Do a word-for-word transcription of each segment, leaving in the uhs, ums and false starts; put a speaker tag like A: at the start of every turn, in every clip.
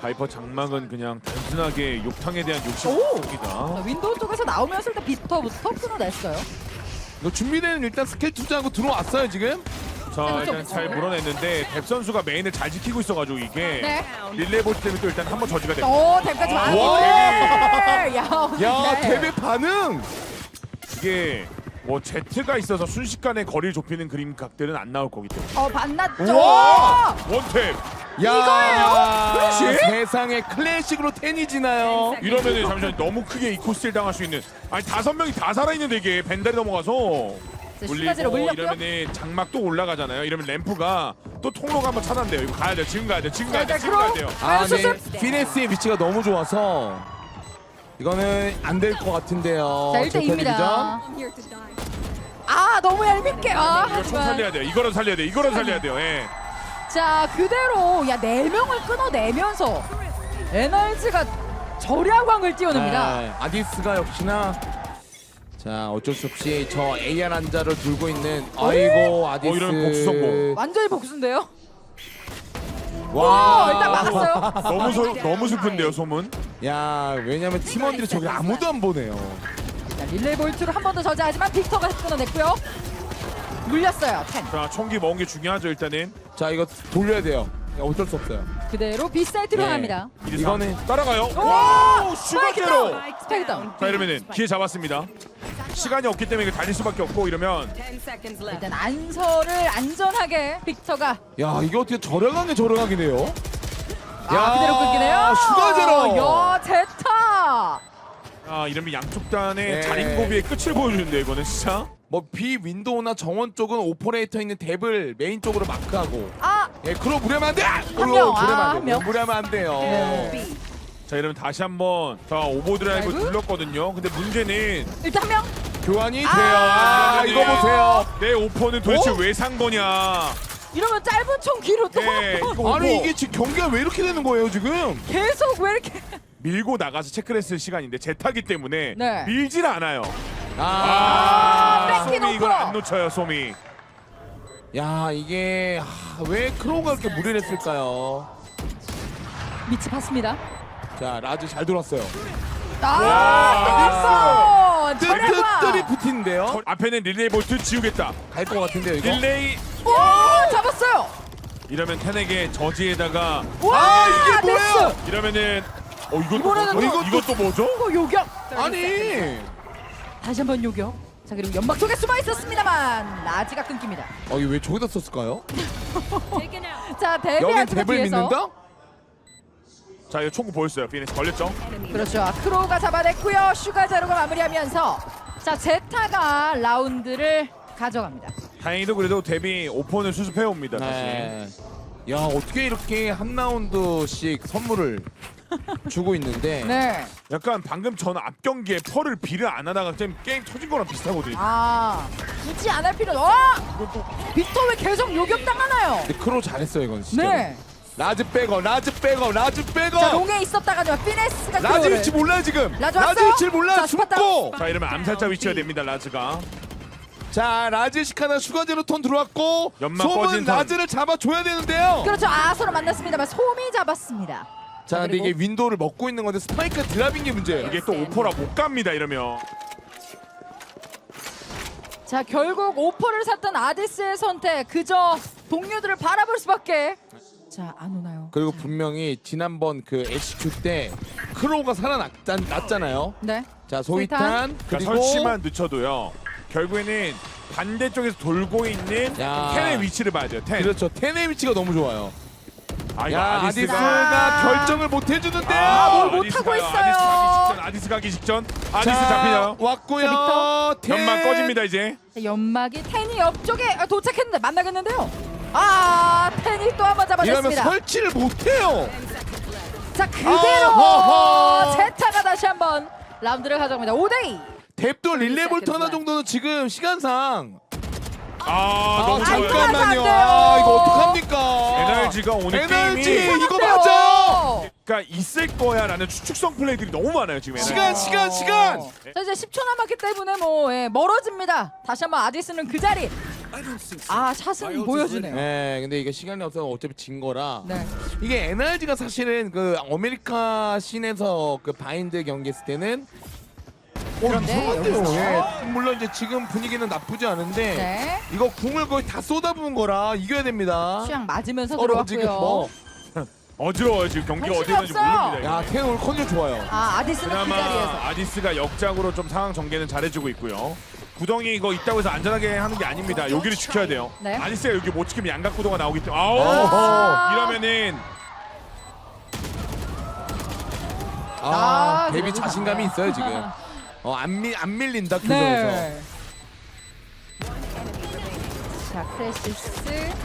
A: 바이퍼 장막은 그냥 단순하게 욕탕에 대한 욕심입니다.
B: 자, 윈도우 쪽에서 나오면서 일단 비터부터 끊어냈어요.
C: 이거 준비되는 일단 스킬 투자하고 들어왔어요 지금.
A: 자 일단 잘 물어냈는데 뎁 선수가 메인을 잘 지키고 있어가지고 이게
B: 네.
A: 릴레이 볼트 때문에 또 일단 한번 저지가 됩니다.
B: 오, 댐까지 많이.
C: 와.
B: 야,
C: 야
B: 네.
C: 데뷔 반응.
A: 이게 뭐 제트가 있어서 순식간에 거리를 좁히는 그림 각들은 안 나올 거기 때문에.
B: 어, 반났죠.
C: 우와.
A: 원탭!
C: 야
A: 그렇지?
C: 세상에 클래식으로 텐이 지나요.
A: 이러면은 잠시만 너무 크게 이코스틸 당할 수 있는 아니 다섯 명이 다 살아있는데 이게 벤달이 넘어가서
B: 자, 슈가지로
A: 물리고
B: 물렸고요.
A: 이러면은 장막 또 올라가잖아요. 이러면 램프가 또 통로가 한번 차단돼요. 이거 가야 돼요. 지금 가야 돼요. 지금 가야 돼요.
B: 자,
A: 지금 가야
B: 그럼-
A: 돼요.
C: 아,
B: 수습.
C: 네. 피네스의 위치가 너무 좋아서 이거는 안 될 것 같은데요.
B: 자, 일 대 이입니다. 아, 너무 얄밉게. 아,
A: 이거 총
B: 하지만.
A: 살려야 돼요. 이거라도 살려야 돼요. 이거라도 살려야 돼요. 예.
B: 자, 그대로 야, 네 명을 끊어내면서 에너지가 절야광을 띄워냅니다.
C: 네, 아디스가 역시나 자 어쩔 수 없이 저 에이알 한자를 들고 있는 아이고 아디스.
A: 어, 이러면 복수 성공.
B: 완전히 복수인데요.
C: 와
B: 오, 일단 막았어요.
A: 너무 소, 너무 슬픈데요, 소문.
C: 야 왜냐면 팀원들이 저기 아무도 안 보네요.
B: 자, 릴레이 볼트로 한 번 더 저지하지만 빅터가 끊어냈고요. 물렸어요. 텐.
A: 자, 총기 먹은 게 중요하죠, 일단은.
C: 자 이거 돌려야 돼요. 야, 어쩔 수 없어요.
B: 그대로 B 사이트로
C: 네.
B: 합니다.
C: 이거는
A: 따라가요.
B: 오!
A: 와! 슈가제로.
B: 스파이크 다운.
A: 자, 이러면은 기회 잡았습니다. 시간이 없기 때문에 이거 달릴 수밖에 없고 이러면
B: 일단 안서를 안전하게 빅터가
C: 야 이게 어떻게 저렴하게 저렴하게네요.
B: 아, 그대로 끊기네요.
C: 슈가제로.
B: 야, 제타.
A: 아, 이러면 양쪽 단의
C: 네.
A: 자린고비의 끝을 보여주는데 이거는 진짜.
C: 뭐 비 윈도우나 정원 쪽은 오퍼레이터 있는 탭을 메인 쪽으로 마크하고
B: 아,
C: 예 그럼 무리하면 안 돼!
B: 명,
C: 그럼 무리하면
B: 아,
C: 안
B: 한
C: 돼요.
B: 명.
C: 무리하면 안 돼요.
B: 네.
A: 자, 이러면 다시 한번 자 오버드라이브
B: 드라이브?
A: 눌렀거든요. 근데 문제는
B: 일단 한 명.
C: 교환이 돼요.
B: 아,
C: 아, 이거 보세요.
A: 내 오퍼는 도대체
C: 어?
A: 왜 산 거냐.
B: 이러면 짧은 총 뒤로 또
A: 예,
B: 한 번.
A: 이거
C: 아니
A: 오퍼
C: 이게 지금 경기가 왜 이렇게 되는 거예요 지금?
B: 계속 왜 이렇게
A: 밀고 나가서 체크를 했을 시간인데 제타기 때문에
B: 네.
A: 밀질 않아요.
C: 아,
B: 아, 뺏긴
A: 소미 이걸
B: 오퍼.
A: 안 놓쳐요, 소미.
C: 야 이게 아, 왜 크로우가 그렇게 무리를 했을까요?
B: 밑이 봤습니다.
C: 자 라즈 잘 돌았어요.
B: 아, 또
C: 뜨뜻들이
B: 절약광.
C: 붙이는데요.
A: 저 앞에는 릴레이 볼트 지우겠다.
C: 갈 것 같은데요 이거.
A: 릴레이
B: 오, 잡았어요.
A: 이러면 텐에게 저지에다가
B: 와,
C: 아, 이게
B: 네스.
C: 뭐야?
A: 이러면은 어 이것도
B: 이번에는
A: 뭐죠?
B: 또-
A: 이것도 뭐죠?
B: 이거 요격.
C: 아니.
B: 다시 한번 요격. 자, 그리고 연막 속에 숨어 있었습니다만 라지가 끊깁니다.
C: 어 이거 왜 저기다 썼을까요?
B: 자,
C: 여긴
B: 데뷔하지만
C: 탭을
B: 뒤에서
C: 믿는다?
A: 자, 이거 총구 보였어요. 피니스 걸렸죠?
B: 그렇죠. 크로우가 잡아냈고요. 슈가자루가 마무리하면서 자, 제타가 라운드를 가져갑니다.
A: 다행히도 그래도 데뷔 오퍼는 수습해 옵니다. 다시.
C: 네. 야 어떻게 이렇게 한 라운드씩 선물을 주고 있는데.
B: 네.
A: 약간 방금 전 앞 경기에 펄을 비를 안 하다가 좀 게임 터진 거랑 비슷하거든요.
B: 아, 굳이 안 할 필요는. 어! 빅터 왜 계속 요격 당하나요?
C: 근데 크로우 잘했어요 이건 진짜.
B: 네.
C: 라즈 백업, 라즈 백업, 라즈 백업.
B: 자, 롱에 있었다가요. 피네스가
C: 라즈
B: 크로우를.
C: 위치 몰라요 지금.
B: 라즈 왔어요?
C: 위치 몰라.
B: 자, 스팟
C: 숨고.
A: 자, 이러면 암살자 위치가 됩니다. 라즈가.
C: 자 라즈 시카나 슈가제로 톤 들어왔고
A: 연막
C: 솜은
A: 꺼진 턴.
C: 라즈를 잡아줘야 되는데요.
B: 그렇죠. 아, 서로 만났습니다만 솜이 잡았습니다.
C: 자 근데
B: 그리고-
C: 이게 윈도우를 먹고 있는 건데 스파이크가 드랍인 게 문제예요.
A: 이게 또 오퍼라 못 갑니다. 이러면.
B: 자, 결국 오퍼를 샀던 아디스의 선택. 그저 동료들을 바라볼 수밖에. 자, 안 오나요?
C: 그리고 분명히 지난번 그 에이치큐 때 크로우가 살아났잖아요.
B: 네.
C: 자 소이탄
A: 그러니까
C: 그리고
A: 설치만 늦춰도요. 결국에는 반대쪽에서 돌고 있는
C: 야.
A: 텐의 위치를 봐야 돼요. 텐.
C: 그렇죠. 텐의 위치가 너무 좋아요.
A: 아, 이거
C: 야
A: 아디스가
C: 아디스가
B: 아.
C: 결정을 못 해주는데요.
B: 아, 뭘
A: 아디스
B: 못하고
A: 가요.
B: 있어요.
A: 아디스 가기 직전. 아디스 가기 직전. 아디스
C: 자,
A: 잡히나요?
C: 왔고요.
B: 빅터.
C: 텐.
A: 연막 꺼집니다 이제.
B: 자, 연막이 텐이 옆쪽에 도착했는데 만나겠는데요. 아, 텐이 또 한 번
C: 이러면
B: 잡아냈습니다.
C: 설치를 못해요.
B: 자, 그대로
C: 아하하.
B: 제타가 다시 한번 라운드를 가져갑니다. 오 대 이.
C: 뎁도 릴레볼트 하나 정도는 지금 시간상.
A: 아,
C: 아
A: 너무 좋아요.
C: 잠깐만요.
B: 안 돼요.
C: 아 이거 어떡합니까?
A: 에너지가 오늘
C: 에너지
A: 게임이
C: 이거 맞아요.
A: 그러니까 있을 거야라는 추측성 플레이들이 너무 많아요 지금. 에너지.
C: 시간 시간 시간.
B: 자, 이제 십 초 남았기 때문에 뭐 예, 멀어집니다. 다시 한번 아디스는 그 자리 아 샷은 보여주네요.
C: 네, 근데 이게 시간이 없어서 어차피 진 거라.
B: 네.
C: 이게 엔알지가 사실은 그 아메리카 씬에서 그 바인드 경기했을 때는 어,
B: 그런데
C: 이상한데요.
B: 여기서?
C: 예. 물론 이제 지금 분위기는 나쁘지 않은데
B: 네.
C: 이거 궁을 거의 다 쏟아부은 거라 이겨야 됩니다.
B: 취향 맞으면서
C: 서로 지금
B: 들어왔고요.
C: 뭐.
A: 어지러워요 지금 경기가 어디
B: 정신이
A: 있는지
B: 없어요.
A: 모릅니다.
C: 야,
A: 이게.
C: 태현 오늘 컨디션 좋아요.
B: 아 아디스는 그
A: 그나마
B: 자리에서.
A: 아디스가 역작으로 좀 상황 전개는 잘해주고 있고요. 구덩이 이거 있다고 해서 안전하게 하는 게 아닙니다. 여기를 지켜야 돼요.
B: 네.
A: 아디스가 여기 못 지키면 양각 구도가 나오기 때문에 아우
C: 어허.
A: 이러면은
C: 아,
B: 아,
C: 데뷔
B: 그래도
C: 자신감이
B: 잘해요.
C: 있어요 지금. 어, 안, 밀, 안 밀린다 교정에서.
B: 네. 자 크레시스.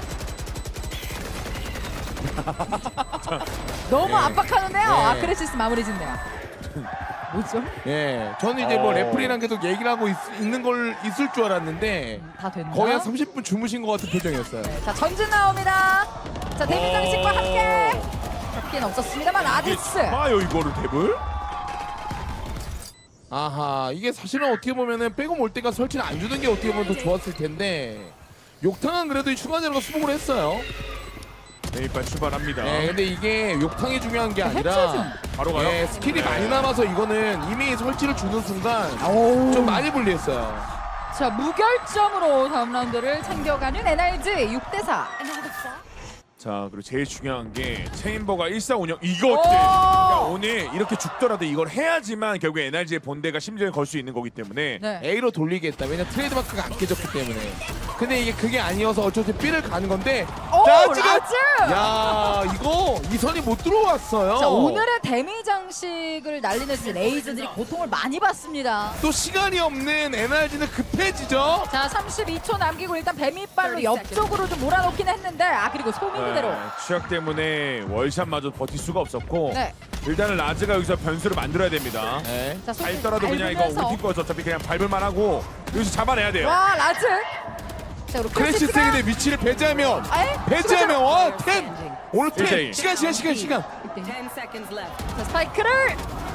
B: 너무
A: 네.
B: 압박하는데요.
C: 네.
B: 아 크레시스 마무리 짓네요. 뭐죠?
C: 예, 저는 이제 뭐
A: 어.
C: 레프리랑 계속 얘기를 하고 있, 있는 걸 있을 줄 알았는데
B: 다 됐나?
C: 거의 한 삼십 분 주무신 것 같은 표정이었어요.
B: 네, 자 전진 나옵니다. 자 데뷔 장식과 함께 잡기는 없었습니다만 아디스.
A: 아요 이거를 탭을?
C: 아하, 이게 사실은 어떻게 보면은 백업 올 때가 설치를 안 주는 게 어떻게 보면 더 좋았을 텐데 욕탕은 그래도 휴가제로가 수복을 했어요.
A: 네, 이빨 출발합니다.
C: 예, 근데 이게 욕탕이 중요한 게
B: 해체 좀.
C: 아니라
A: 바로 가요.
C: 예, 스킬이
A: 네.
C: 많이 남아서 이거는 이미 설치를 주는 순간
B: 오.
C: 좀 많이 불리했어요.
B: 자 무결점으로 다음 라운드를 챙겨가는 엔알지 육 대 사.
A: 자 그리고 제일 중요한 게 체인버가 일사운영 이거
B: 오!
A: 어때? 야, 오늘 이렇게 죽더라도 이걸 해야지만 결국 엔알지의 본대가 심지어 걸 수 있는 거기 때문에
B: 네.
C: A로 돌리겠다. 왜냐 트레이드마크가 안 깨졌기 때문에. 근데 이게 그게 아니어서 어차피 B를 가는 건데.
B: 오
C: 라즈가-
B: 라즈.
C: 야, 이거 이선이 못 들어왔어요.
B: 자 오늘의 데미 장식을 날리는 레이저들이 고통을 많이 받습니다.
C: 또 시간이 없는 엔알지는 급해지죠.
B: 자 삼십이 초 남기고 일단 뱀이빨로 옆쪽으로 좀 몰아놓긴 했는데 아 그리고 소미 그대로.
A: 네, 취약 때문에 월샷마저 버틸 수가 없었고
B: 네.
A: 일단은 라즈가 여기서 변수를 만들어야 됩니다.
C: 네.
B: 자 소미
A: 밟더라도 그냥 이거
B: 밟으면서.
A: 울티 거서 어차피 그냥 밟을만 하고 여기서 잡아내야 돼요.
B: 와 라즈. 자 그리고
C: 크래시
B: 크래시스가
C: 세계대 위치를 배제하면
B: 아예
C: 배제하면 와 텐. 오늘 텐
A: 일대일.
C: 시간 시간 시간 시간.
D: Ten seconds left.
B: 자 스파이크를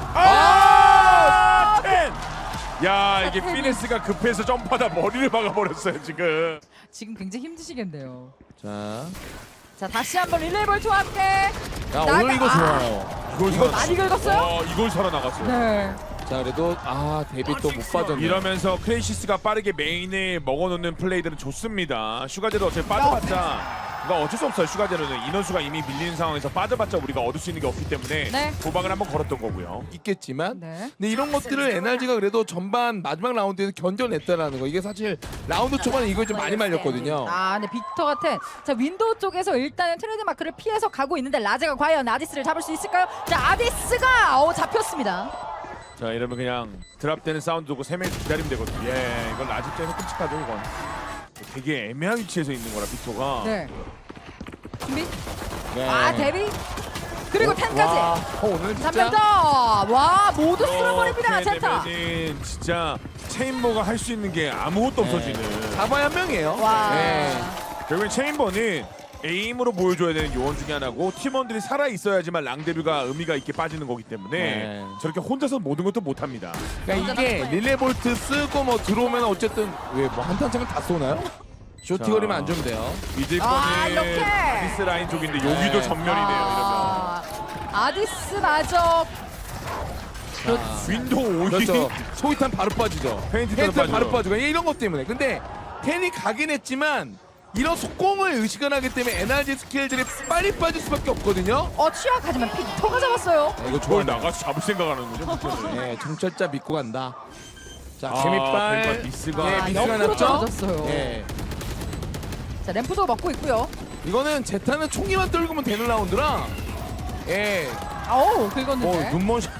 A: 아! 텐! 야 이게
B: 텐이.
A: 피네스가 급해서 점프하다 머리를 박아버렸어요 지금.
B: 지금 굉장히 힘드시겠네요.
C: 자,
B: 자 다시 한번 릴레이 볼트와 함께.
C: 야
B: 나가-
C: 오늘 이거
B: 아.
C: 좋아요.
A: 이걸
B: 이거
A: 살아-
B: 많이 긁었어요?
A: 와, 이걸 살아나갔어요.
B: 네.
C: 자 그래도 아 데뷔 또 못 빠졌네.
A: 이러면서 크레이시스가 빠르게 메인에 먹어놓는 플레이들은 좋습니다. 슈가제로 어차피 빠져봤자 그러니까 어쩔 수 없어요. 슈가제로는 인원수가 이미 밀리는 상황에서 빠져봤자 우리가 얻을 수 있는 게 없기 때문에
B: 네.
A: 도박을 한번 걸었던 거고요.
C: 있겠지만
B: 네.
C: 근데 이런 것들을 엔알지가 그래도 전반 마지막 라운드에서 견뎌냈다라는 거 이게 사실 라운드 초반에 이걸 좀 많이 말렸거든요.
B: 아, 근데 빅터 같은 자 윈도우 쪽에서 일단은 트레이드 마크를 피해서 가고 있는데 라제가 과연 아디스를 잡을 수 있을까요? 자 아디스가 어 잡혔습니다.
A: 자 이러면 그냥 드랍되는 사운드 두고 세 명 기다리면 되거든요. 예, 이건 라지 입장에서 끔찍하죠 이건. 되게 애매한 위치에서 있는 거라 빅토가.
B: 네. 준비.
C: 네.
B: 아 데뷔. 그리고
C: 와,
B: 텐까지.
C: 어, 오늘 진짜
B: 삼 명 더. 와 모두 쓸어버립니다
A: 이렇게
B: 젠타.
A: 되면은 진짜 체인버가 할 수 있는 게 아무것도 없어지는.
C: 잡아야 한 명이에요.
B: 와.
C: 네.
A: 결국엔 체인버는 에임으로 보여줘야 되는 요원 중에 하나고 팀원들이 살아 있어야지만 랑데뷔가 의미가 있게 빠지는 거기 때문에
C: 네.
A: 저렇게 혼자서 모든 것도 못합니다.
C: 그러니까 이게 릴레볼트 쓰고 뭐 들어오면 어쨌든 왜 뭐 한탄창을 다 쏘나요? 쇼티거리만 안 주면 돼요.
A: 믿을
B: 아, 이렇게.
A: 거는 아디스 라인 쪽인데 여기도
C: 네.
A: 전면이네요.
B: 아, 아디스마저
C: 자,
A: 윈도우 오이
C: 그렇죠. 소위탄 바로 빠지죠.
A: 페인트
C: 페인트
A: 빠져요.
C: 바로 빠지고 이런 것 때문에. 근데 텐이 가긴 했지만 이런 속공을 의식을 하기 때문에 에너지 스킬들이 빨리 빠질 수밖에 없거든요.
B: 어 취약 하지만 빅터가 잡았어요.
C: 아, 이거
A: 저걸
C: 좋아요.
A: 나가서 잡을 생각하는군요. 빅토는.
C: 네, 정찰자 믿고 간다. 자,
A: 아,
C: 재밌발.
A: 뱀과 미스가.
C: 네,
B: 아,
C: 미스가
B: 옆으로
C: 났죠.
B: 떨어졌어요.
C: 네.
B: 자 램프도 먹고 있고요.
C: 이거는 제타는 총기만 떨구면 되는 라운드라. 예.
B: 어우
C: 어,
B: 긁었는데.
C: 눈먼 샷.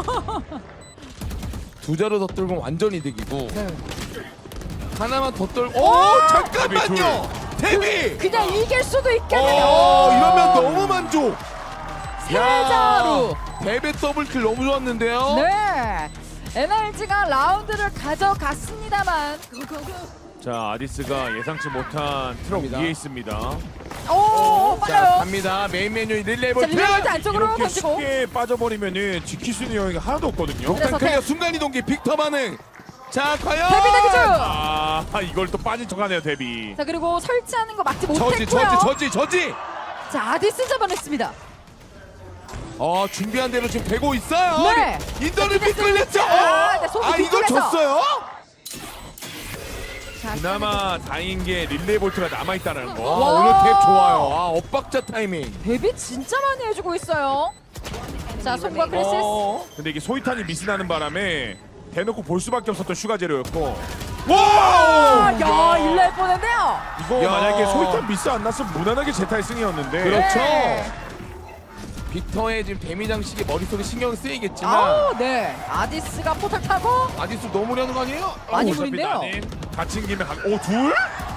C: 두 자루 더 떨면 완전 이득이고
B: 네.
C: 하나만 더 떨고.
B: 오!
C: 오, 잠깐만요. 데뷔.
B: 그냥 이길 수도 있겠네요.
C: 어, 이러면 너무 만족.
B: 세 자루.
C: 데뷔 더블킬 너무 좋았는데요.
B: 네. 엔알지가 라운드를 가져갔습니다만.
A: 자 아디스가 예상치 못한 트럭
C: 갑니다.
A: 위에 있습니다.
B: 오,
C: 자,
B: 빨라요.
C: 갑니다. 메인 메뉴
B: 자,
C: 릴레이볼트.
B: 릴레이볼트 안쪽으로
A: 이렇게
B: 던지고.
A: 쉽게 빠져버리면은 지킬 수 있는 여유가 하나도 없거든요.
B: 그래서
C: 클리어
B: 대-
C: 순간 이동기 빅터 반응. 자 과연
B: 데뷔 대기 중.
A: 아 이걸 또 빠진 척하네요 데뷔.
B: 자 그리고 설치하는 거 막지
C: 저지
B: 못했고요.
C: 저지 저지 저지.
B: 자 아디스 잡아냈습니다.
C: 어 준비한 대로 지금 되고 있어요.
B: 네.
C: 인터넷 빗 끌렸죠.
B: 아, 네, 손
C: 아 이걸
B: 뒤쪽에서.
C: 줬어요?
B: 자,
A: 그나마 다행인 게 릴레이 볼트가 남아 있다는
C: 아
A: 거.
B: 와.
C: 오늘 탭 좋아요. 아 엇박자 타이밍.
B: 데뷔 진짜 많이 해주고 있어요. 자 손과 크리시스.
C: 어.
A: 근데 이게 소이탄이 미스나는 바람에 대놓고 볼 수밖에 없었던 슈가제로였고
B: 아,
C: 와!
B: 야 일날 뻔했네요.
A: 이거
C: 야.
A: 만약에 소이탄 미스 안 났으면 무난하게 제타의 승이었는데
C: 그렇죠.
B: 네.
C: 빅터의 지금 데미 장식이 머릿속에 신경 쓰이겠지만
B: 아, 네. 아디스가 포탈 타고
C: 아디스 너무려는 거 아니에요?
B: 많이
A: 어차피
B: 보인대요.
A: 나는 갇힌 김에 가... 오 둘?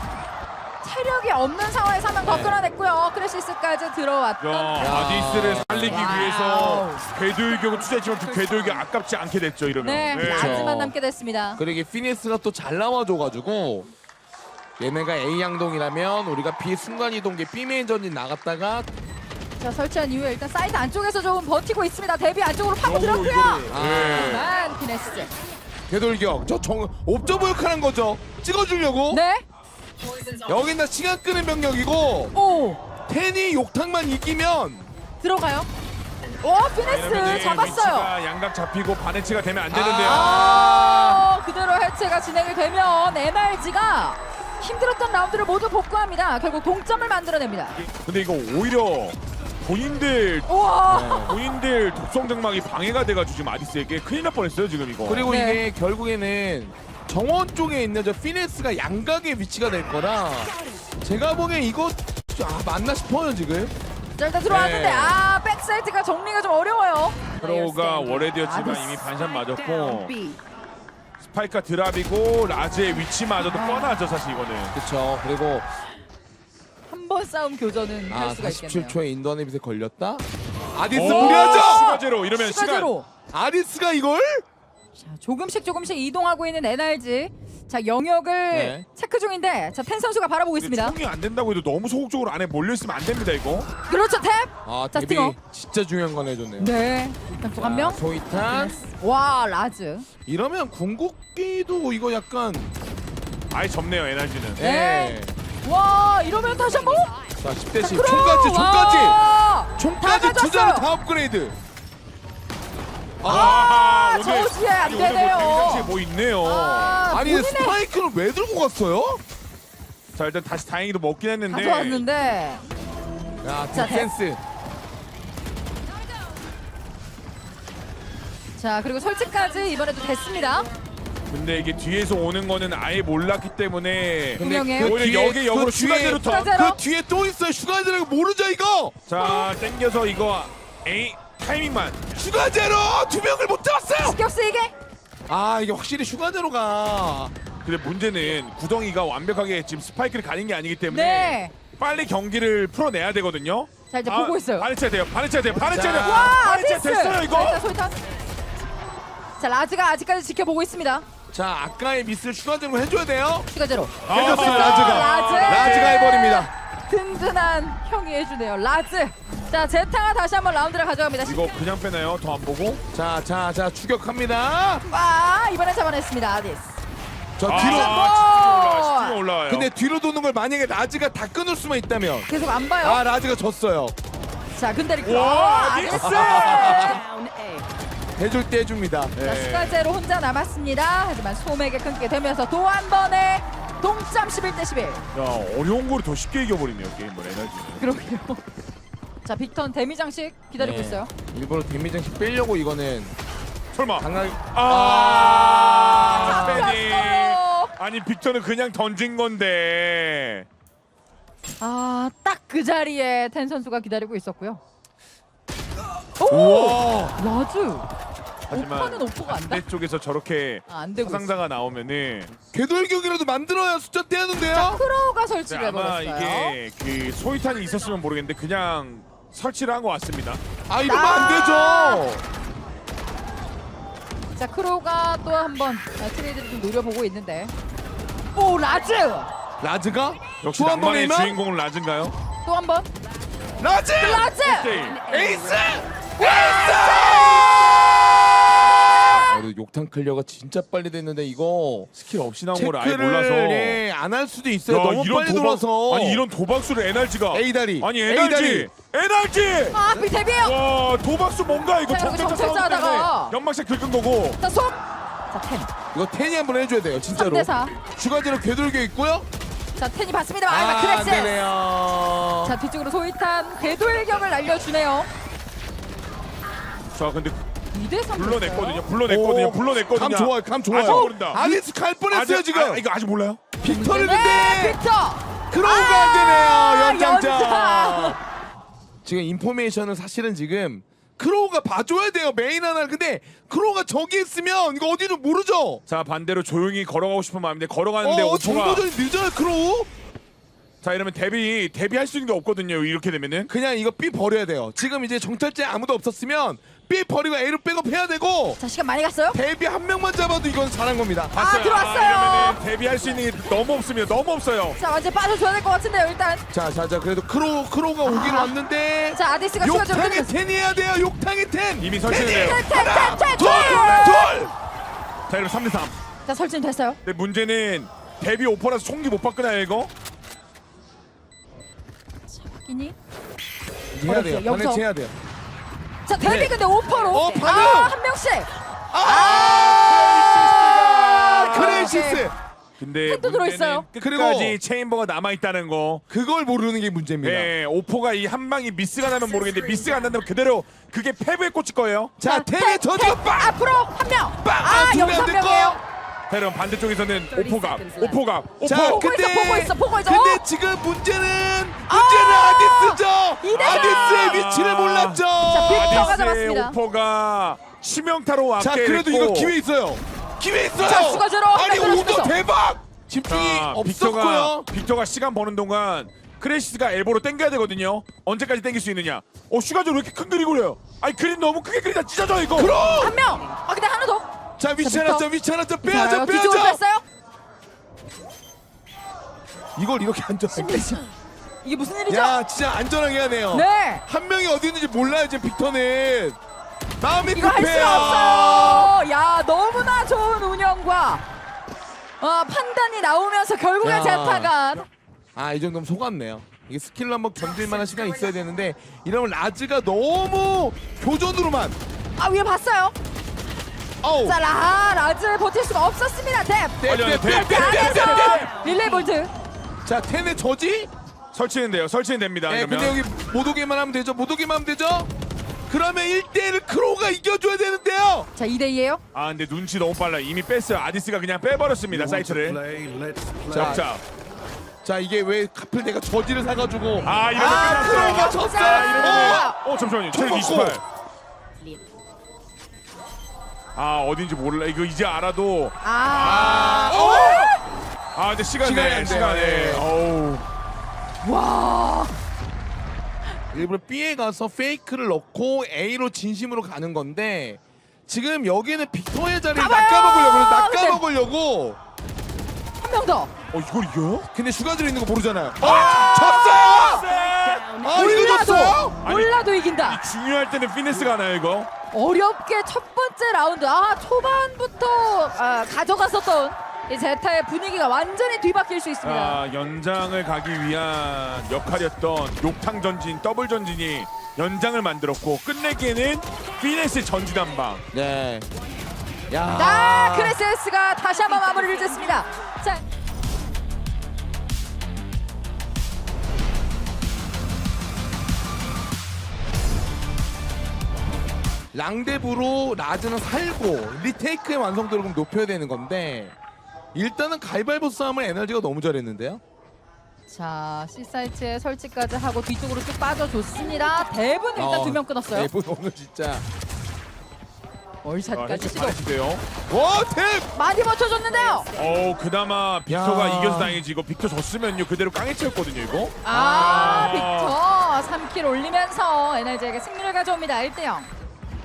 B: 체력이 없는 상황에서 한 명 더 끌어냈고요. 크리시스까지 들어왔던.
A: 야, 아디스를 살리기
B: 와우.
A: 위해서 궤도일격을 투자했지만 그 궤도일격 아깝지 않게 됐죠 이러면.
B: 네,
A: 네.
B: 라즈만 남게 됐습니다.
C: 그리고 이게 피니스가 또 잘 나와줘가지고 얘네가 A 양동이라면 우리가 B 순간이동기 B 메인 전진 나갔다가
B: 자 설치한 이후에 일단 사이드 안쪽에서 좀 버티고 있습니다. 데뷔 안쪽으로 파고 들었고요.
A: 이거를-
C: 아.
A: 네.
B: 만 피네스.
C: 되돌격 저 정 옵저버 역할한 거죠. 찍어주려고
B: 네.
C: 여긴 다 시간 끄는 병력이고
B: 오
C: 텐이 욕탕만 이기면
B: 들어가요. 오 피네스 잡았어요.
A: 위치가 양각 잡히고 반해치가 되면 안 되는데요.
B: 아 그대로 해체가 진행이 되면 엔알지가 힘들었던 라운드를 모두 복구합니다. 결국 동점을 만들어냅니다.
A: 근데 이거 오히려 본인들
B: 우와.
A: 본인들 독성 장막이 방해가 돼가지고 지금 아디스에게 큰일 날 뻔했어요 지금 이거.
C: 그리고
B: 네.
C: 이게 결국에는 정원 쪽에 있는 저 피네스가 양각의 위치가 될 거라 제가 보기엔 이거 아 맞나 싶어요 지금.
B: 자 일단 들어왔는데
C: 네.
B: 아 백사이트가 정리가 좀 어려워요.
A: 프로가 월헤드였지만
B: 아디스.
A: 이미 반샷 맞았고 스파이크가 드랍이고 라즈의 위치마저도 뻔하죠 사실 이거는.
C: 그렇죠. 그리고
B: 한 번 싸움 교전은 할
C: 아
B: 수가
C: 사십칠
B: 있겠네요.
C: 초에 인도안의 빛에 걸렸다. 아디스
A: 오,
C: 무리하죠.
A: 시가제로 이러면 시간.
B: 시가제로.
C: 아디스가 이걸
B: 자, 조금씩 조금씩 이동하고 있는 엔알지. 자 영역을
C: 네.
B: 체크 중인데 자 텐 선수가 바라보고 있습니다.
A: 총이 안 된다고 해도 너무 소극적으로 안에 몰려 있으면 안 됩니다 이거.
B: 그렇죠 탭.
C: 아
B: 자,
C: 데뷔
B: 스팅어.
C: 진짜 중요한 건 해줬네요.
B: 네. 일단 또 한 명.
C: 소이탄
B: 와 라즈.
C: 이러면 궁극기도 이거 약간
A: 아예 접네요 에너지는.
B: 네.
C: 예.
B: 와 이러면 다시 한번.
C: 자 십 대
B: 자,
C: 십
B: 크로우!
C: 총까지 총까지
B: 와!
C: 총까지
B: 다
C: 투자를
B: 가졌어요.
C: 다 업그레이드.
B: 아,
A: 오늘-
B: 저지에 안
A: 아니, 오늘
B: 되네요.
A: 뭐 데뷔장치에 뭐 있네요.
B: 아,
C: 아니
B: 본인의
C: 스파이크를 왜 들고 갔어요?
A: 자 일단 다시 다행히도 먹긴 했는데.
B: 가져왔는데.
C: 야
B: 자,
C: 디펜스.
B: 자 그리고 설치까지 이번에도 됐습니다.
A: 근데 이게 뒤에서 오는 거는 아예 몰랐기 때문에.
B: 분명해요.
A: 오히려
C: 뒤에-
A: 여기 역으로
C: 그
A: 슈가제로
C: 뒤에-
A: 더.
B: 슈가제로.
C: 그 뒤에 또 있어요. 슈가제로 모르죠 이거.
A: 자 땡겨서 이거 에이 타이밍만.
C: 슈가제로 두 명을 못 잡았어요.
B: 신경 쓰이게.
C: 아 이게 확실히 슈가제로가
A: 근데 문제는 구덩이가 완벽하게 지금 스파이크를 가린 게 아니기 때문에
B: 네.
A: 빨리 경기를 풀어내야 되거든요.
B: 자 이제 보고 있어요.
A: 반해쳐야 돼요. 반해쳐야 돼요. 반해쳐야 돼요.
C: 자.
B: 와
A: 반해쳐
B: 아디스.
A: 됐어요
B: 자,
A: 이거.
B: 일단 소이탄. 자 라즈가 아직까지 지켜보고 있습니다.
C: 자 아까의 미스를 슈가제로 해줘야 돼요.
B: 슈가제로.
A: 아,
C: 해줬어요
A: 아,
C: 라즈가.
B: 라즈.
C: 라즈가 해버립니다.
B: 든든한 형이 해주네요. 라즈. 자 제타가 다시 한번 라운드를 가져갑니다.
A: 이거 그냥 빼나요? 더 안 보고?
C: 자자자 추격합니다.
B: 와 이번엔 잡아냈습니다. 아디스.
C: 저
A: 아,
C: 뒤로.
A: 아, 치킨 올라와요.
C: 근데 뒤로 도는 걸 만약에 라즈가 다 끊을 수만 있다면
B: 계속 안 봐요.
C: 아 라즈가 졌어요.
B: 자 근데 이렇게
A: 와,
B: 와,
A: 아디스.
B: 아디스.
C: 해줄 때 해줍니다.
B: 자
A: 네.
B: 슈가제로 혼자 남았습니다. 하지만 소맥에 끊게 되면서 또 한 번의 동점 십일 대 십일.
A: 야 어려운 거를 더 쉽게 이겨버리네요 게임을 에너지는.
B: 그러게요. 자 빅턴 데미 장식 기다리고
C: 네.
B: 있어요.
C: 일부러 데미장씩 빼려고 이거는
A: 설마.
C: 강하게.
A: 아,
B: 잡혔어요.
A: 빼니. 아니 빅터는 그냥 던진 건데.
B: 아 딱 그 자리에 텐 선수가 기다리고 있었고요. 오
C: 우와.
B: 라즈.
A: 하지만
B: 오퍼는 오퍼가 안 돼.
A: 반대쪽에서 저렇게
B: 아, 안 되고 있어.
A: 상자가 나오면은
C: 궤돌격이라도 만들어야 숫자
B: 자
C: 떼는데요.
B: 크로우가
A: 네,
B: 설치를
A: 아마
B: 해버렸어요.
A: 이게 그 소이탄이 있었으면 모르겠는데 그냥 설치를 한 것 같습니다.
C: 아 이러면 안 되죠.
B: 자 크로우가 또 한번 트레이드를 좀 노려보고 있는데. 오 라즈.
C: 라즈가
A: 역시
C: 또 한 번에
A: 낭만의
C: 이만?
A: 주인공은 라즈인가요?
B: 또 한 번.
C: 라즈.
B: 라즈.
A: 게임.
C: 에이스. 에이스. 그래도 욕탕 클리어가 진짜 빨리 됐는데 이거
A: 스킬 없이 나온 걸 아예 몰라서.
C: 체크를 예, 안 할 수도 있어요.
A: 야,
C: 너무 빨리 들어와서.
A: 아니 이런 도박수를 에너지가
C: A 다리.
A: 아니
C: A
A: 에너지
C: 다리.
A: 에너지
B: 아, 빅 데뷔요.
A: 와 도박수 뭔가 이거
B: 자, 여기
A: 정찰자
B: 정찰자
A: 싸움 때문에
B: 하다가.
A: 연막샷 긁은 거고.
B: 자, 손. 자, 텐.
C: 이거 텐이 한번 해줘야 돼요. 진짜로.
B: 삼 대 사.
C: 추가제로 궤돌교 있고요.
B: 자, 텐이 받습니다. 아,
C: 아, 안
B: 크랙스.
C: 되네요.
B: 자, 뒤쪽으로 소이탄 궤도일격을 날려주네요.
A: 자 근데
B: 이 대 삼.
A: 불러냈거든요. 불러냈거든요.
C: 오,
A: 불러냈거든요.
C: 감 좋아요. 감 좋아요.
A: 아직 모른다.
C: 아디스 갈 뻔했어요
A: 아직-
C: 지금.
A: 아, 이거 아직 몰라요?
C: 빅터를
B: 네,
C: 근데
B: 빅터.
C: 크로우가
B: 아,
C: 안 되네요. 연장자.
B: 연장.
C: 지금 인포메이션은 사실은 지금 크로우가 봐줘야 돼요. 메인 하나를. 근데 크로우가 저기 있으면 이거 어디를 모르죠.
A: 자 반대로 조용히 걸어가고 싶은 마음인데 걸어가는데
C: 어,
A: 오퍼가
C: 정도전이 늦어요 크로우.
A: 자 이러면 데뷔 데뷔할 수 있는 게 없거든요. 이렇게 되면은
C: 그냥 이거 B 버려야 돼요. 지금 이제 정찰제 아무도 없었으면 B 버리고 A로 백업해야 되고
B: 자, 시간 많이 갔어요?
C: 데뷔 한 명만 잡아도 이건 잘한 겁니다.
A: 봤어요.
B: 들어왔어요.
A: 이러면은 데뷔할 수 있는 게 너무 없습니다. 너무 없어요.
B: 자, 완전 빠져줘야 될 것 같은데요, 일단.
C: 자, 자, 자, 그래도 크로우 크로우가 오긴
B: 아.
C: 왔는데
B: 자, 아디스가 추가 좀
C: 욕탕의
B: 끊으면서.
C: 텐 해야 돼요. 욕탕의 텐.
A: 이미 설치됐네요.
B: 텐, 텐, 텐, 텐,
C: 둘,
B: 텐.
C: 둘.
A: 자 이러면 삼 대 삼.
B: 자, 설치는 됐어요.
A: 근데 문제는 데뷔 오퍼라서 총기 못 바꾸나요 이거?
B: 확인이.
C: 해야 돼요.
B: 어렵죠, 여기서.
C: 반해치 해야 돼요.
B: 자, 데뷔
C: 네.
B: 근데 오퍼로.
C: 어,
B: 아,
C: 반응!
B: 한 명씩.
C: 아!
B: 아,
C: 크레이시스.
A: 근데
B: 핵도 들어있어요.
A: 끝까지
C: 그리고-
A: 체인버가 남아 있다는 거.
C: 그걸 모르는 게 문제입니다.
A: 네, 오포가 이 한 방이 미스가 나면 모르겠는데 미스가 안 난다면 그대로 그게 패배에 꽂힐 거예요.
C: 자, 텐의 저주가 빵!
B: 앞으로 한 명.
C: 빵!
B: 아,
C: 두
B: 여기서
C: 명
B: 한
C: 됐고.
B: 명이에요.
A: 자, 그럼 반대쪽에서는 오포가, 오포가, 오포.
C: 자,
B: 보고
C: 근데
B: 있어, 보고 있어, 보고 있어.
C: 근데
B: 어?
C: 지금 문제는 문제는
B: 아!
C: 아디스죠.
B: 이대 삼.
C: 아디스의 위치를 몰랐죠.
B: 자, 빅터가
A: 아디스의
B: 잡았습니다.
A: 오포가 치명타로
C: 자,
A: 앞에
C: 그래도
A: 있고.
C: 이거 기회 있어요. 기회 있어요.
B: 자, 추가제로
C: 아니,
B: 한 명
C: 오더
B: 들어갔어.
C: 대박. 집중이
A: 자,
C: 없었고요.
A: 빅터가 빅터가 시간 버는 동안 크래시스가 엘보로 땡겨야 되거든요. 언제까지 땡길 수 있느냐? 어, 슈가즈로 왜 이렇게 큰 그림 그려요? 아니 그림 너무 크게 그리다 찢어져 이거.
C: 그럼.
B: 한 명. 아, 근데 하나 더.
C: 자, 위치
B: 자,
C: 하나
B: 빅터.
C: 점, 위치 하나 점
B: 자,
C: 빼야죠,
B: 뒤쪽으로
C: 빼야죠.
B: 뺐어요.
C: 이걸 이렇게 안전하게.
B: 이게 무슨 일이죠?
C: 야, 진짜 안전하게 하네요.
B: 네.
C: 한 명이 어디 있는지 몰라요, 지금 빅터는. 마음이
B: 이거 할
C: 급해요.
B: 수가 없어요. 야, 너무나 좋은 운영과 어, 판단이 나오면서 결국엔
C: 야.
B: 제타가
C: 아, 이 정도면 속았네요. 이게 스킬로 한번 견딜 만한 시간이 있어야 되는데 이러면 라즈가 너무 교전으로만.
B: 아, 위에 봤어요.
C: 어우.
B: 자, 라, 라즈 버틸 수가 없었습니다. 뎁.
C: 떼,
A: 아니, 아니,
C: 떼, 떼,
A: 떼,
C: 떼,
A: 떼,
C: 떼, 떼, 떼.
B: 안에서 릴레이 볼트.
C: 자, 텐의 저지?
A: 설치는 돼요. 설치는 됩니다.
C: 네,
A: 이러면.
C: 근데 여기 못 오게만 하면 되죠. 못 오게만 하면 되죠. 그러면 일 대 일을 크로우가 이겨줘야 되는데요.
B: 자, 이 대 이예요.
A: 아 근데 눈치 너무 빨라. 이미 뺐어요. 아디스가 그냥 빼버렸습니다. 사이트를.
C: 자,
A: 자,
C: 자, 이게 왜 하필 내가 저지를 사가지고.
A: 아 이러면
C: 아,
A: 끝났어요.
C: 크로우가
B: 자,
C: 졌어요.
B: 이러면-
A: 어 잠시만요.
C: 총
A: 체력
C: 먹고.
A: 이십팔. 아 어딘지 몰라. 이거 이제 알아도.
B: 아.
C: 아, 어!
A: 아 근데 시간
C: 시간이
A: 내
C: 안 돼요.
A: 시간에.
C: 네.
A: 어우.
B: 와.
C: 일부러 B에 가서 페이크를 넣고 A로 진심으로 가는 건데 지금 여기는 빅터의 자리를
B: 가봐요!
C: 낚아먹으려고 낚아먹으려고.
B: 한 명 더.
A: 어 이걸 이겨요?
C: 근데 슈가들 있는 거 모르잖아요. 어! 졌어요! 아, 이거 졌어!
B: 몰라도 몰라도 이긴다.
A: 중요할 때는 피니스가 나요 이거.
B: 어렵게 첫 번째 라운드. 아, 초반부터 아, 가져갔었던 이 제타의 분위기가 완전히 뒤바뀔 수 있습니다.
A: 아 연장을 가기 위한 역할이었던 욕탕 전진, 더블 전진이 연장을 만들었고 끝내기에는 피니스의 전진 한 방.
C: 네. 야.
B: 아, 크레세스가 다시 한번 마무리를 짓습니다. 자,
C: 랑데브로 라즈는 살고 리테이크의 완성도를 좀 높여야 되는 건데 일단은 가위바위보 싸움을 에너지가 너무 잘했는데요.
B: 자, C사이트에 설치까지 하고 뒤쪽으로 쭉 빠져줬습니다. 대분 일단
C: 어,
B: 두 명 끊었어요.
C: 대분 오늘 진짜.
B: 월샷까지 시도.
A: 잘하시대요.
C: 와, 탭!
B: 많이 버텨줬는데요.
A: 어 그나마 빅터가
C: 야.
A: 이겨서 다행이지. 이거 빅터 졌으면요 그대로 깡에 채웠거든요 이거.
B: 아,
A: 아.
B: 빅터 삼 킬 올리면서 에너지에게 승리를 가져옵니다. 일 대 영.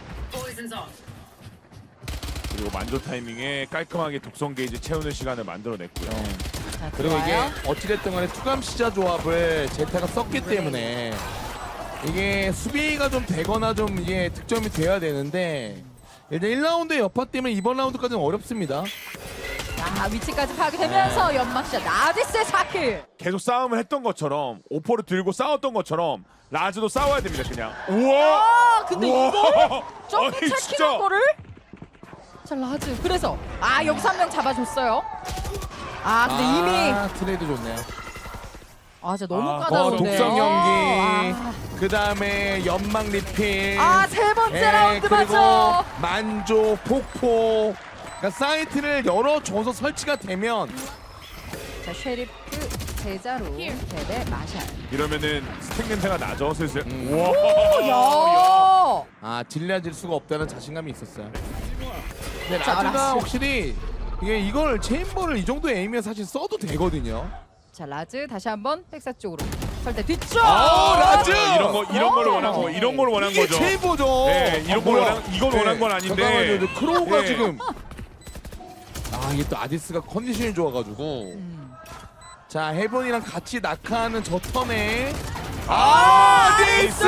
A: 그리고 만조 타이밍에 깔끔하게 독성 게이지 채우는 시간을 만들어냈고요.
B: 자,
C: 그리고 이게
B: 들어와요.
C: 어찌됐든 간에 투감 시자 조합을 제타가 썼기 때문에 이게 수비가 좀 되거나 좀 이게 득점이 돼야 되는데 일단 일 라운드의 여파 때문에 이번 라운드까지는 어렵습니다.
B: 자, 위치까지 파악이 되면서 연막샷 나디스의 사 킬.
A: 계속 싸움을 했던 것처럼 오퍼를 들고 싸웠던 것처럼 라즈도 싸워야 됩니다 그냥. 우와.
B: 아, 근데
A: 우와.
B: 이걸 점프
A: 아니,
B: 체킹한
A: 진짜.
B: 거를 자, 라즈. 그래서 아, 여기서 한 명 잡아줬어요. 아, 근데 이미
C: 아, 트레이드 좋네요.
B: 아, 진짜 너무
A: 아,
C: 어,
B: 까다로운데요.
C: 독성 연기.
B: 아,
C: 그 다음에 연막 리필.
B: 아, 세 번째
C: 예,
B: 라운드
C: 그리고
B: 맞죠.
C: 만조, 폭포. 그러니까 사이트를 열어줘서 설치가 되면
B: 자, 쉐리프 제자로 대 마샬.
A: 이러면은 스택 냄새가 나죠 슬슬.
C: 음.
A: 우와.
B: 야!
C: 아 질려질 수가 없다는 자신감이 있었어요. 근데
B: 자,
C: 라즈가
B: 라스.
C: 확실히 이게 이걸 체인버를 이 정도 에임에 사실 써도 되거든요.
B: 자, 라즈 다시 한번 백사 쪽으로. 설대 뒤쪽.
C: 아, 라즈!
A: 이런 거 이런 걸 원한 거 이런 걸 원한
C: 이게
A: 거죠.
C: 체인버죠.
A: 네, 이런
C: 아,
A: 걸
C: 뭐야.
A: 원한 이걸 원한 건 아닌데.
C: 잠깐만요. 근데 크로우가
A: 네.
C: 지금 아 이게 또 아디스가 컨디션이 좋아가지고
B: 음.
C: 자 헤븐이랑 같이 낙하하는 저 턴에
A: 아,
C: 아디스!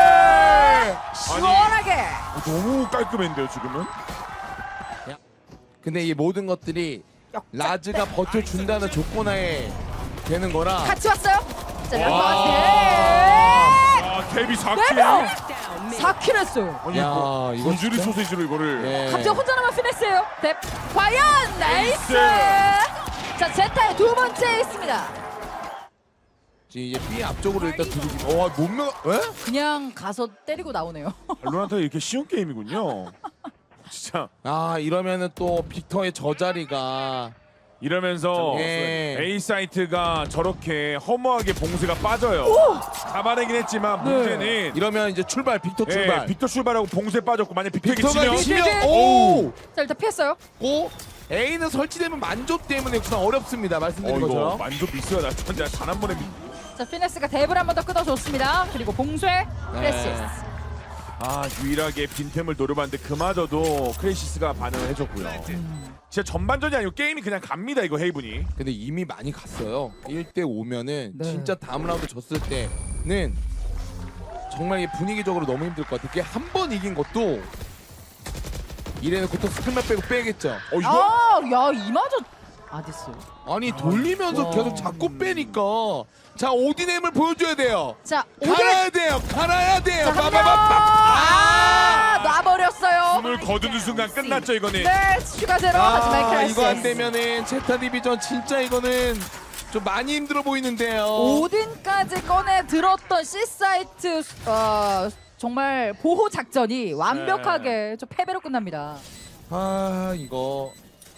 B: 시원하게.
A: 너무 깔끔했는데요 지금은.
C: 근데 이 모든 것들이 라즈가 버텨준다는 조건하에 되는 거라
B: 같이 왔어요. 자,
A: 와.
B: 란마스.
A: 아 데뷔 사
B: 네
A: 킬.
B: 명. 사 킬 했어요.
A: 아니
C: 야,
A: 이거
C: 이거
A: 구주리
C: 진짜?
A: 소세지로 이거를.
C: 예.
B: 갑자기 혼자 남은 피네스예요. 뎁. 과연 나이스. 자, 제타의 두 번째 있습니다.
C: 이제 B 앞쪽으로 일단 들이기. 와 몸매. 에?
B: 그냥 가서 때리고 나오네요.
A: 발로란트가 이렇게 쉬운 게임이군요. 진짜
C: 아 이러면은 또 빅터의 저 자리가
A: 이러면서
C: 예.
A: A 사이트가 저렇게 허무하게 봉쇄가 빠져요. 잡아내긴 했지만
B: 네.
A: 문제는
C: 이러면 이제 출발 빅터
A: 예,
C: 출발.
A: 빅터 출발하고 봉쇄 빠졌고 만약 빅터가
C: 빅터가
A: 치면
C: 치면
B: 오!
C: 오.
B: 자, 일단 피했어요.
C: 고 A는 설치되면 만조 때문에 우선 어렵습니다.
A: 어
C: 말씀드린
A: 이거
C: 것처럼.
A: 만족 미스가 났던데 단 한 번에 미...
B: 자, 피네스가 뎁을 한 번 더 끊어줬습니다. 그리고 봉쇄.
C: 네.
B: 크레시스.
A: 아 유일하게 빈템을 노려봤는데 그마저도 크레시스가 반응을 해줬고요. 진짜 전반전이 아니고 게임이 그냥 갑니다 이거 헤이븐이.
C: 근데 이미 많이 갔어요. 일 대 오면은
B: 네.
C: 진짜 다음 라운드 졌을 때는 정말 이게 분위기적으로 너무 힘들 것 같아. 이게 한 번 이긴 것도 이래는 고토 스킬만 빼고 빼겠죠.
A: 어 이거
B: 아, 야, 이마저 아디스.
C: 아니 돌리면서
B: 와.
C: 계속 자꾸 빼니까 자 오디넴을 보여줘야 돼요.
B: 자, 오늘
C: 갈아야 돼요. 갈아야 돼요.
B: 자, 한 명.
C: 빠바바빠.
B: 아, 놔버렸어요.
A: 숨을 거두는 순간 끝났죠 이거는.
B: 네, 슈가 제로. 하지만
C: 아
B: 크레시스.
C: 이거 안 되면은 제타 디비전 진짜 이거는 좀 많이 힘들어 보이는데요.
B: 오딘까지 꺼내 들었던 C 사이트 어, 정말 보호 작전이 완벽하게 좀 패배로 끝납니다.
C: 아 이거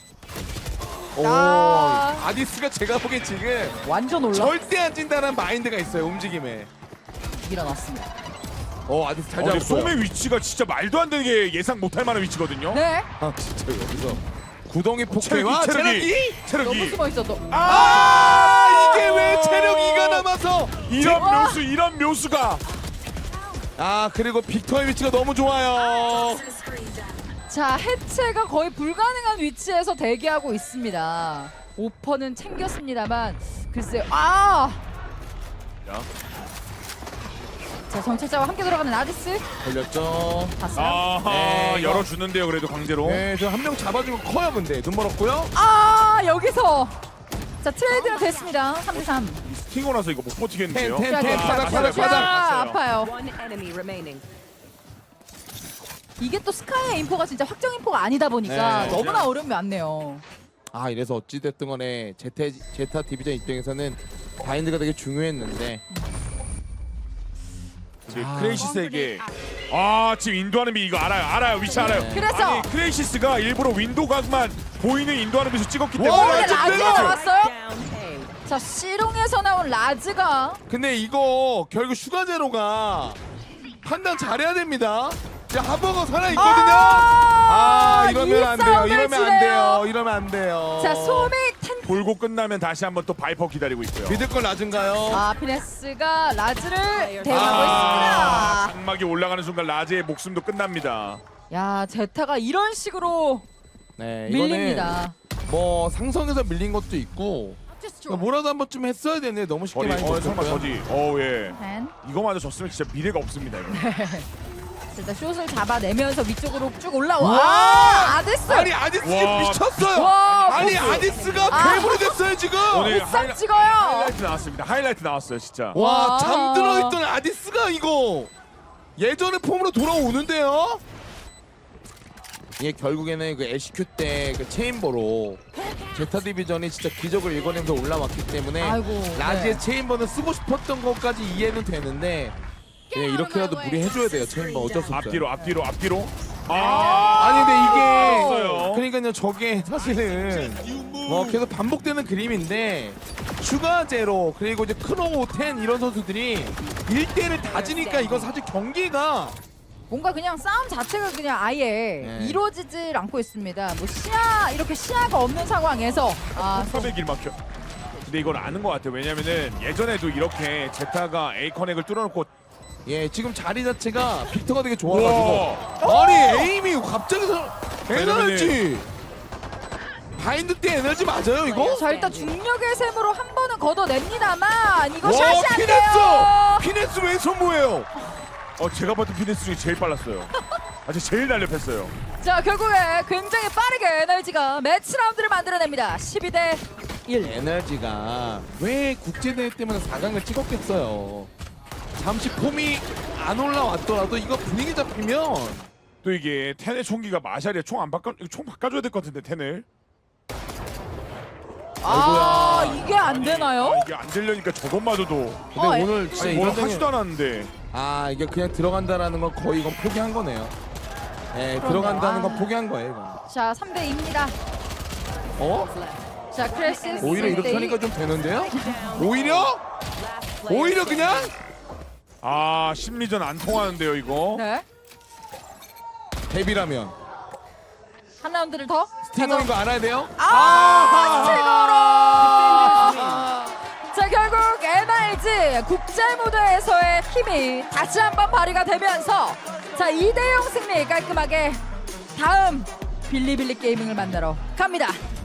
C: 오
B: 아.
C: 아디스가 제가 보기엔 지금
B: 완전 올라
C: 절대 안 진다는 마인드가 있어요 움직임에.
B: 일어났습니다.
C: 어 아디스 잘
A: 어, 근데
C: 잡았어요.
A: 솜의 위치가 진짜 말도 안 되는 게 예상 못할 만한 위치거든요.
B: 네,
C: 아 진짜 여기서 구덩이
A: 체력이
C: 폭회와
A: 체력이
C: 체력이
A: 체력이
B: 너무 숨어 있어도.
C: 아 이게 왜 체력 이가 남아서
A: 이런
B: 와.
A: 묘수 이런 묘수가
C: 아 그리고 빅터의 위치가 너무 좋아요.
B: 자, 해체가 거의 불가능한 위치에서 대기하고 있습니다. 오퍼는 챙겼습니다만 글쎄요. 아!
A: 야.
B: 자, 정찰자와 함께 돌아가는 아디스
C: 걸렸죠.
B: 봤어요?
A: 아하
C: 네, 이거.
A: 열어주는데요 그래도 강제로.
C: 네저 한 명 잡아주면 커요 근데 눈 멀었고요.
B: 아, 여기서 자, 트레이드가 됐습니다. 삼 대 삼.
A: 튕고 나서 이거 못 버티겠는데요.
C: 텐, 텐,
B: 자,
C: 텐,
B: 자,
C: 바닥,
B: 자,
C: 바닥,
B: 자,
C: 바닥.
B: 아파요.
D: One enemy remaining.
B: 이게 또 스카이의 인포가 진짜 확정 인포가 아니다 보니까
C: 네.
B: 너무나 어려움이 많네요.
C: 아 이래서 어찌됐든 간에 제타, 제타 디비전 입장에서는 바인드가 되게 중요했는데
A: 이제
C: 아.
A: 크레이시스에게 아 지금 인도하는 비 이거 알아요 알아요 위치 알아요.
B: 그래서
A: 아니 크레이시스가 일부러 윈도 각만 보이는 인도하는 비서 찍었기
C: 와,
A: 때문에
B: 오, 근데
C: 라즈
B: 라즈가
C: 빼놨어요.
B: 나왔어요?
D: Down A.
B: 자, 시롱에서 나온 라즈가
C: 근데 이거 결국 슈가제로가 판단 잘해야 됩니다. 이제 하버거 살아있거든요.
B: 아,
C: 아 이러면
B: 이
C: 안 돼요.
B: 싸움을
C: 이러면 안
B: 지네요.
C: 돼요. 이러면 안 돼요.
B: 자, 소미 텐.
A: 돌고 끝나면 다시 한번 또 바이퍼 기다리고 있고요.
C: 믿을 건 낮은가요?
B: 아, 피네스가 라즈를 대하고
A: 아,
B: 있습니다.
A: 장막이 올라가는 순간 라즈의 목숨도 끝납니다.
B: 야, 제타가 이런 식으로
C: 네, 이거는
B: 밀립니다.
C: 뭐 상성에서 밀린 것도 있고 그러니까 뭐라도 한 번쯤 했어야 되는데 너무 쉽게
A: 거리
C: 많이
A: 어 설마
C: 졌고요.
A: 저지. 어 예.
B: 펜.
A: 이거마저 졌으면 진짜 미래가 없습니다 이거.
B: 일단 숏을 잡아내면서 위쪽으로 쭉 올라와.
C: 와!
B: 아, 아데스.
C: 아니 아디스
A: 와.
C: 미쳤어요.
B: 와,
C: 아니
B: 보스.
C: 아디스가
B: 아.
C: 괴물이 됐어요 지금.
A: 오늘
B: 비싼
A: 하이라-
B: 찍어요.
A: 하이라이트 나왔습니다. 하이라이트 나왔어요 진짜.
C: 와
B: 와.
C: 잠들어 있던 아디스가 이거 예전의 폼으로 돌아오는데요. 이게 결국에는 그 엘씨큐 때 그 체인버로 제타 디비전이 진짜 기적을 일궈내면서 올라왔기 때문에
B: 아이고,
C: 라지의
B: 네.
C: 체인버는 쓰고 싶었던 것까지 이해는 되는데 예, 이렇게라도 무리해줘야 돼요. 체인버 어쩔 수 없어요.
A: 앞뒤로 앞뒤로 앞뒤로. 아,
C: 아니 근데 이게
A: 알았어요.
C: 그러니까요 저게 사실은 뭐 계속 반복되는 그림인데 슈가 제로 그리고 이제 크로우 텐 이런 선수들이 일 대를 다지니까 이건 사실 경기가
B: 뭔가 그냥 싸움 자체가 그냥 아예
C: 네.
B: 이루어지질 않고 있습니다. 뭐 시야 이렇게 시야가 없는 상황에서 아
A: 섭의 길 막혀. 근데 이걸 아는 것 같아요. 왜냐면은 예전에도 이렇게 제타가 A 커넥을 뚫어놓고
C: 예 지금 자리 자체가 빅터가 되게 좋아가지고 아니 에임이 갑자기 서 에너지 바인드 때 에너지 맞아요 이거?
B: 자 일단 중력의 셈으로 한 번은 걷어냅니다만 이거
C: 와
B: 샷이 안
C: 피네스!
B: 돼요.
C: 피네스 왼손 뭐예요?
A: 어 제가 봤던 피네스 중에 제일 빨랐어요. 아주 제일 날렵했어요.
B: 자 결국에 굉장히 빠르게 에너지가 매치 라운드를 만들어냅니다. 십이 대 일.
C: 에너지가 왜 국제대회 때문에 사 강을 찍었겠어요. 잠시 폼이 안 올라왔더라도 이거 분위기 잡히면
A: 또 이게 텐의 총기가 마샬이야. 총 안 바꿔 이거 총 바꿔줘야 될 것 같은데 텐을.
B: 아 이게 안 되나요?
A: 아, 이게 안 되려니까 저것마저도.
C: 근데
B: 어, 에-
C: 오늘 진짜
A: 아니, 뭘
C: 이런
A: 하지도 않았는데.
C: 아 이게 그냥 들어간다라는 건 거의 이건 포기한 거네요. 예 들어간다는 건
B: 아.
C: 포기한 거예요 이건.
B: 자 삼 대 이입니다.
C: 어?
B: 자 크레시스
C: 오히려 이렇게 하니까 좀 되는데요? 오히려? 오히려 그냥?
A: 아 심리전 안 통하는데요 이거.
B: 네.
C: 데뷔라면
B: 한 라운드를 더.
C: 스팅어인 거 알아야 돼요?
B: 아, 스팅어로! 자 결국 엔알지 국제 무대에서의 힘이 다시 한번 발휘가 되면서 자 이 대 영 승리 깔끔하게 다음 빌리빌리 게이밍을 만나러 갑니다.